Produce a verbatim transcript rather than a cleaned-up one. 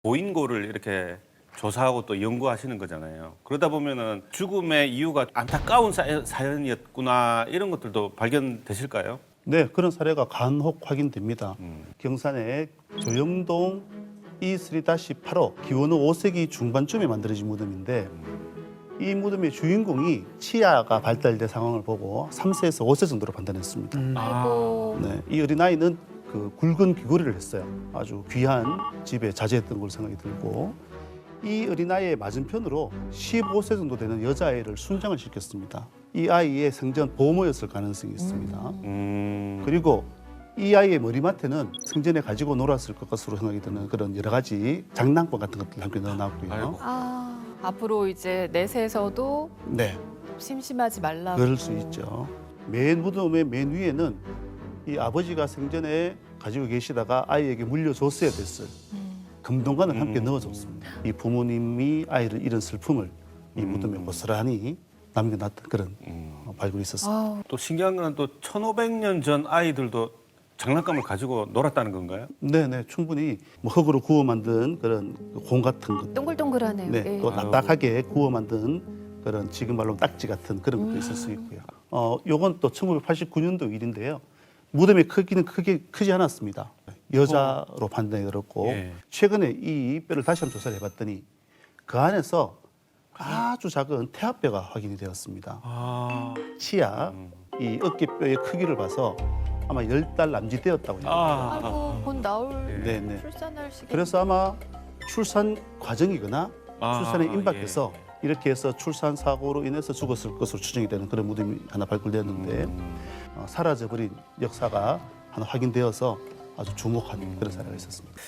고인고를 이렇게 조사하고 또 연구하시는 거잖아요. 그러다 보면은 죽음의 이유가 안타까운 사- 사연이었구나 이런 것들도 발견되실까요? 네, 그런 사례가 간혹 확인됩니다. 음. 경산의 조영동 이삼 팔호 기원후 오 세기 중반쯤에 만들어진 무덤인데 이 무덤의 주인공이 치아가 발달된 상황을 보고 삼 세에서 오 세 정도로 판단했습니다. 아이고. 네, 이 어린아이는 그 굵은 귀걸이를 했어요. 아주 귀한 집에 자제했던 걸로 생각이 들고 이 어린아이의 맞은편으로 십오 세 정도 되는 여자아이를 순장을 시켰습니다. 이 아이의 생전 보모였을 가능성이 있습니다. 음. 그리고 이 아이의 머리맡에는 생전에 가지고 놀았을 것 것으로 생각이 드는 그런 여러 가지 장난감 같은 것들 함께 넣어놨고요. 아이고. 아, 앞으로 이제 내세에서도 네, 심심하지 말라고. 그럴 수 있죠. 맨 무덤의 맨 위에는 이 아버지가 생전에 가지고 계시다가 아이에게 물려줬어야 됐을 음. 금동관을 함께 음. 넣어줬습니다. 이 부모님이 아이를 잃은 슬픔을 이 무덤에 음. 고스란히 남겨놨던 그런 음. 어, 발굴이 있었습니다. 아우, 또 신기한 건 또 천오백 년 전 아이들도 장난감을 가지고 놀았다는 건가요? 네네, 충분히 뭐 흙으로 구워 만든 그런 공 같은 것, 동글동글하네요. 네, 예. 또 딱딱하게 구워 만든 그런 지금 말로 딱지 같은 그런 것도 있을 수 있고요. 어, 요건 또 천구백팔십구 년도 일인데요. 무덤의 크기는 크게 크지 않았습니다. 여자로 판단이 들었고 예. 최근에 이 뼈를 다시 한번 조사를 해봤더니 그 안에서 아주 작은 태아뼈가 확인이 되었습니다. 아. 치아, 이 어깨뼈의 크기를 봐서 아마 열 달 남짓되었다고 합니다. 아. 아이고, 곧 나올 네, 네. 출산할 시기. 그래서 아마 출산 과정이거나 아, 출산에 임박해서 예. 이렇게 해서 출산 사고로 인해서 죽었을 것으로 추정이 되는 그런 무덤이 하나 발굴되었는데 음. 어, 사라져버린 역사가 하나 확인되어서 아주 주목하는 그런 사례가 있었습니다.